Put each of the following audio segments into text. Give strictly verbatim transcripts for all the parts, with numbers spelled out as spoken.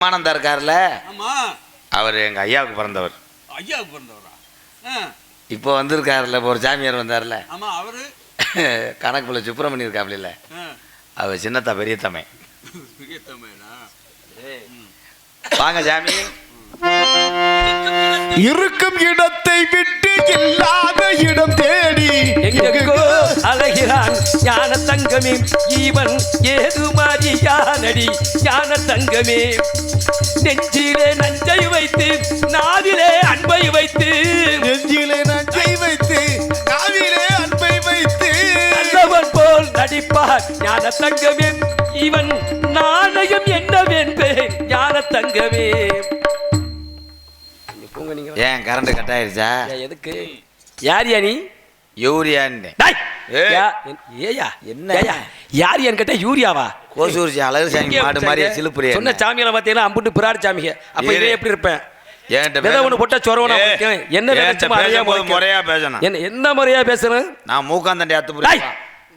ஆனந்தா இருக்கார்ல, ஆமா, அவர் எங்க ஐயாவுக்கு பிறந்தவர். ஐயாவுக்கு பிறந்தவரா? இப்போ வந்திருக்காருல்ல, இப்போ ஒரு சாமியார் வந்தார்ல. ஆமா, அவரு கணக்குள்ள சுப்பிரமணியம் இருக்காப்ல, அவர் சின்னத்தா பெரிய தமை. பெரிய தமைனா வாங்க சாமி. இருக்கும் இடத்தை விட்டு இல்லாத இடம் தேடி எங்கெங்கோ அழகிறான் ஞான தங்கமே, ஈவன் ஏது மாறியானடி ஞான தங்கமே. நெஞ்சிலே நஞ்சை வைத்து நாவிலே அன்பை வைத்து, நெஞ்சிலே நஞ்சை வைத்து நாவிலே அன்பை வைத்து நல்லவன் போல் நடிப்பார் ஞான தங்கமே. இவன் நாணயம் என்னவென்பேன் ஞான தங்கமே. ஏன் கரண்ட் கட் ஆயிருச்சா? எதுக்கு? யார் யா நீ? யூரியான்னு. ஏயா என்ன யார் யான்னு கேட்டா யூரியாவா? கோசூர் அழகு சாமி மாடு மாதிரி சிலுப்புரியா சொன்ன சாமியில பாத்தீங்கன்னா அம்புட்டு பிராடு சாமிங்க. அப்ப இதே எப்படி இருப்பேன்? விதை ஒண்ணு போட்டா சொரவனா என்ன முறையா பேசணும். என்ன என்ன முறையா பேசணும்? நான் மூக்காந்தண்டி அத்து புரியா?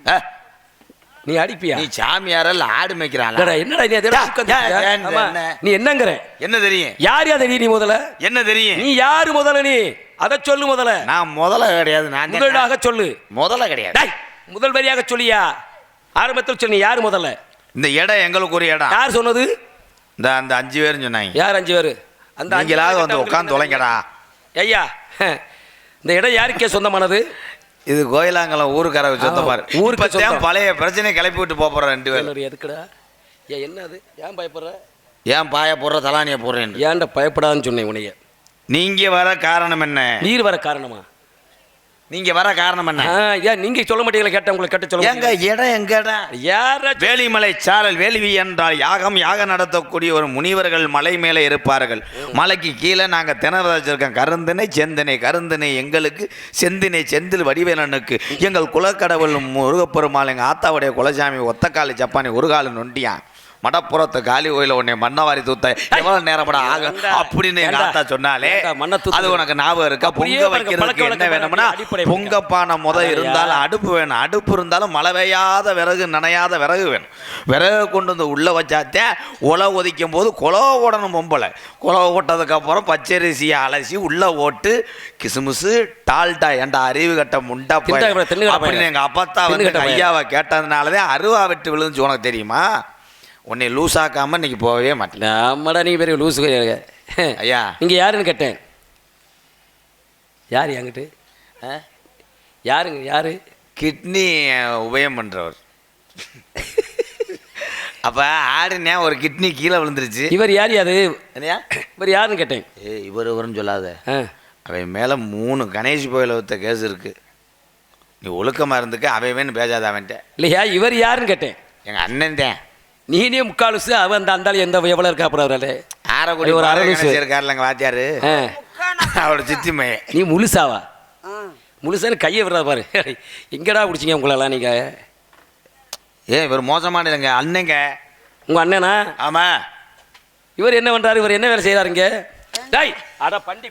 நீ அடிப்பியா? நீ சாமியாரல்ல ஆடு மேய்க்கிறான். என்னடா நீ அதெல்லாம் நீ என்னங்கற? என்ன தெரியும்? யார் யா தெரியும்? நீ முதல்ல என்ன தெரியும்? நீ யாரு முதல்ல? நீ அத சொல்லு முதல்ல. நான் முதல்ல கிடையாது, நான் முதலாக சொல்லு. முதல்ல கிடையாது. முதல் வரியாக சொல்லியா? ஆரம்பத்தில் சொல்லு. யாரு முதல்ல? இந்த இடம் எங்களுக்கு ஒரு இடம். யார் சொன்னது? இந்த அந்த அஞ்சு பேரும் சொன்னாங்க. யார் அஞ்சு பேரு? அந்த நீங்களாவது வந்து உட்காந்து தொலைங்கடா. ஐயா, இந்த இடம் யாருக்கே சொந்தமானது? இது கோயிலாங்கலம் ஊருக்கார சொந்தமாரு. ஊருக்கு பழைய பிரச்சனை கிளப்பி விட்டு போற ரெண்டு பேரும். எதுக்குடா? ஏன் என்ன அது? ஏன் பயப்படுற? ஏன் பாய போடுற தலானிய போடுறேன்? ஏன்டா பயப்படாதுன்னு சொன்னேன் உனைய. நீங்க வர காரணம் என்ன? நீர் வர காரணமா? நீங்க வர காரணம் என்ன? ஏன் நீங்க சொல்ல மாட்டீங்களா? கேட்ட உங்களுக்கு கேட்ட சொல்ல. எங்க இடம் எங்க இடம்? யார? வேலிமலை சாரல். வேள்வி என்றால் யாகம். யாகம் நடத்தக்கூடிய ஒரு முனிவர்கள் மலை மேலே இருப்பார்கள். மலைக்கு கீழே நாங்கள் திணற வச்சிருக்கோம். கருந்தினை செந்தினை. கருந்தினை எங்களுக்கு, செந்தினை செந்தில் வடிவேலனுக்கு. எங்கள் குலக்கடவுள் முருகப்பெருமாள் எங்கள் ஆத்தாவுடைய குலசாமி ஒத்தக்காலி ஜப்பானி ஒரு காலு நொண்டியான் மடப்புறத்து காலி கோயில உன்னை மண்ணவாரி தூத்த எவ்வளவு நேரப்பட ஆகும் அப்படின்னு எங்க ஆத்தா சொன்னாலே அது உனக்கு ஞாபகம் இருக்கா? பொங்க வைக்கிறதுக்கு என்ன வேணும்னா பொங்கப்பானை முத இருந்தாலும் அடுப்பு வேணும். அடுப்பு இருந்தாலும் மழை பெய்யாத விறகு, நனையாத விறகு வேணும். விறகு கொண்டு வந்து உள்ள வச்சாத்தே உலை ஒதிக்கும் போது குலவை ஓடணும். பொம்பளை குலவை ஓட்டதுக்கு அப்புறம் பச்சரிசியை அலசி உள்ள ஓட்டு கிசுமுசு டால்டா ஏண்டா அறிவு கட்ட முண்டா அப்படின்னு எங்க அப்பத்தா வந்து ஐயாவை கேட்டதுனாலதான் அருவா வெட்டு விழுந்துச்சு. உனக்கு தெரியுமா? உன்னை லூஸ் ஆக்காம இன்னைக்கு போகவே மாட்டேன். நம்மடா நீ பெரிய லூஸு ஐயா. நீங்கள் யாருன்னு கேட்டேன். யார் என்கிட்ட? யாருங்க? யாரு? கிட்னி உபயம் பண்ணுறவர். அப்போ ஆடுனே ஒரு கிட்னி கீழே விழுந்துருச்சு. இவர் யார்? யாது இல்லையா? இவர் யாருன்னு கேட்டேன். ஏ இவர் இவருன்னு சொல்லாத. அவன் மேலே மூணு கணேஷ் கோயிலை வைத்த கேஸ் இருக்கு. நீ ஒழுக்கமாக இருந்துக்க. அவன் பேசாத அவன்கிட்ட. இல்லையா? இவர் யாருன்னு கேட்டேன். எங்கள் அண்ணன் தான். நீனே முக்காலுசு அவன் அந்த அந்தாலும் எந்த எவ்வளோ இருக்கா? அப்புறம் அவரால் ஆரக்குடி ஒரு அரசு இருக்காருல்ல எங்கள் வாத்தியாரு, அவரோட சித்திமை. நீ முழுசாவா? முழுசான்னு கையை விடுறா பாரு. எங்கடா பிடிச்சிங்க உங்களெல்லாம் நீங்கள்? ஏன் இவர் மோசமான இல்லைங்க அண்ணங்க. உங்கள் அண்ணனா? ஆமாம். இவர் என்ன பண்ணுறாரு? இவர் என்ன வேலை செய்கிறாருங்க? டாய் அட பண்டி,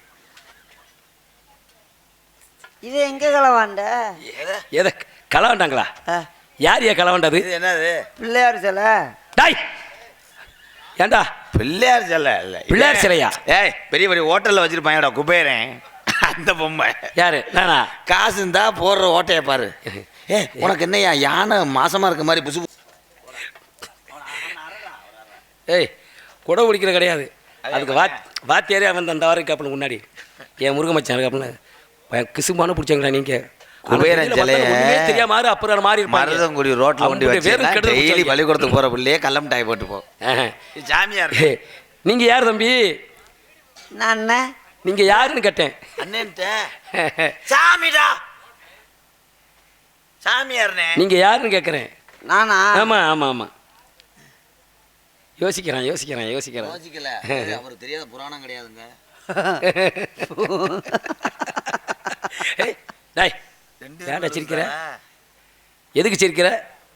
இது எங்கே களவாண்ட? எதை களவாண்டாங்களா? யார் ஏன் களவாண்டது? என்னது? பிள்ளையார் சிலை. டாய் ஏண்டா பிள்ளையார் சிலை? இல்லை பிள்ளையார் சிலையா? ஏய் பெரிய பெரிய ஹோட்டலில் வச்சுருப்பாங்கடா குபேரன் அந்த பொம்மை. யாரு? நானா? காசு இருந்தா போடுற ஓட்டையை பாரு. ஏ உனக்கு என்னையா யானை மாசமாக இருக்க மாதிரி புசு? ஏய் குடை பிடிக்கிற கிடையாது. அதுக்கு வாத் வாத்தியாரே அவன் அந்த வாரம் காப்பில் முன்னாடி என் முருக மச்சான் காப்பில் கிசுமான பிடிச்சாங்களா நீங்கள்? குபேரன் சிலையை தெரியாம அப்புறம் மாறி மருதங்குடி ரோட்ல கொண்டு வச்சு டெய்லி பள்ளிக்கூடத்துக்கு போற பிள்ளையே கல்லம் டாய் போட்டு போ. சாமியார். நீங்க யார் தம்பி? நான். நீங்க யாருன்னு கேட்டேன். அண்ணன்ட்ட சாமிடா சாமியார்னே. நீங்க யாருன்னு கேட்குறேன். நானா? ஆமா ஆமா ஆமா. யோசிக்கிறேன் யோசிக்கிறேன் யோசிக்கிறேன் யோசிக்கல. அவருக்கு தெரியாத புராணம் கிடையாதுங்க. டாய் ஏன்டா சிரிக்கிற? எதுக்கு சிரிக்கிற?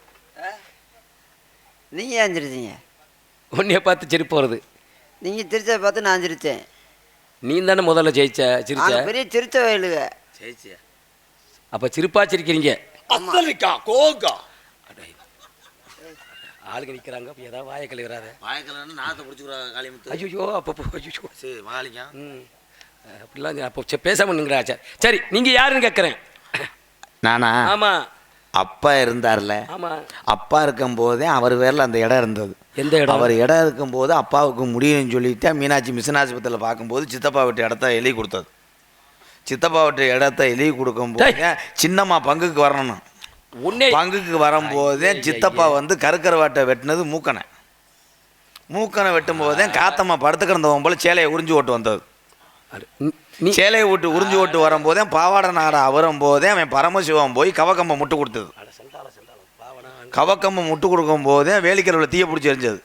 நீங்கள் ஏன் சிரிச்சீங்க? உன்னைய பார்த்து சிரிப்பு வருது. நீங்கள் சிரிச்சதை பார்த்து நான் சிரித்தேன். நீ தானே முதல்ல ஜெயிச்ச சிரிச்ச. பெரிய சிரிச்ச வயலுங்க. ஜெயிச்சியா? அப்போ சிரிப்பா சிரிக்கிறீங்க. அத்தலிக்கா கோகா ஆளுங்க நிற்கிறாங்க அப்போ ஏதாவது வாயை கழுவிடாத. வாய்க்கலன்னு நாத்தை பிடிச்சிக்கிறாங்க காளிமுத்து. ஐயோ அப்போ ஐயோ சரி மகாலிங்க. ம் அப்படிலாம் அப்போ சரி பேசாமல் நிற்கிறா. சரி சரி நீங்கள் யாருன்னு கேட்குறேன். நானா? ஆமாம் அப்பா இருந்தார்ல, ஆமாம். அப்பா இருக்கும்போதே அவர் பேரில் அந்த இடம் இருந்தது. எந்த இடம்? அவர் இடம் இருக்கும்போது அப்பாவுக்கு முடியும்னு சொல்லிட்டு மீனாட்சி மிஷன் ஆஸ்பத்திரியில் பார்க்கும்போது சித்தப்பா வீட்டு இடத்த எழுதி கொடுத்தது. சித்தப்பா வீட்டு இடத்த எழுதி கொடுக்கும்போது சின்னம்மா பங்குக்கு வரணும். உன்னே பங்குக்கு வரும்போதே சித்தப்பா வந்து கருக்கரை வாட்டை வெட்டினது மூக்கனை. மூக்கனை வெட்டும் போதே காத்தம்மா படுத்து கிடந்தவன் போல சேலையை உறிஞ்சி ஓட்டு வந்தது. நீ சேலையை விட்டு உறிஞ்சி ஓட்டு வரும்போதே பாவாடை நாடா வரும் போதே அவன் பரமசிவம் போய் கவக்கம்பை முட்டு கொடுத்தது. கவக்கம்பை முட்டு கொடுக்கும் போதே வேலிக்கரவில் தீய பிடிச்சி எரிஞ்சது.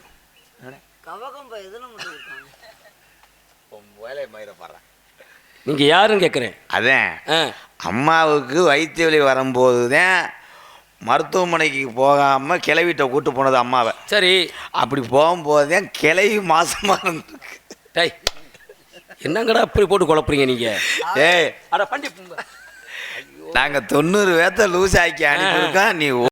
நீங்கள் யாருன்னு கேட்குறேன். அதான் ஆ அம்மாவுக்கு வயிற்று வலி வரும்போது தான் மருத்துவமனைக்கு போகாமல் கிளவிட்ட கூட்டு போனது அம்மாவை. சரி. அப்படி போகும்போதே கிளவி மாசமாக இருந்திருக்கு. டேய் என்னங்கடா அப்படி போட்டு குழப்புறீங்க நீங்கள்? ஏய் அட பண்டி நாங்கள் தொண்ணூறு பேர்த்த லூஸ் ஆக்கி அனுப்பியிருக்கோம். நீ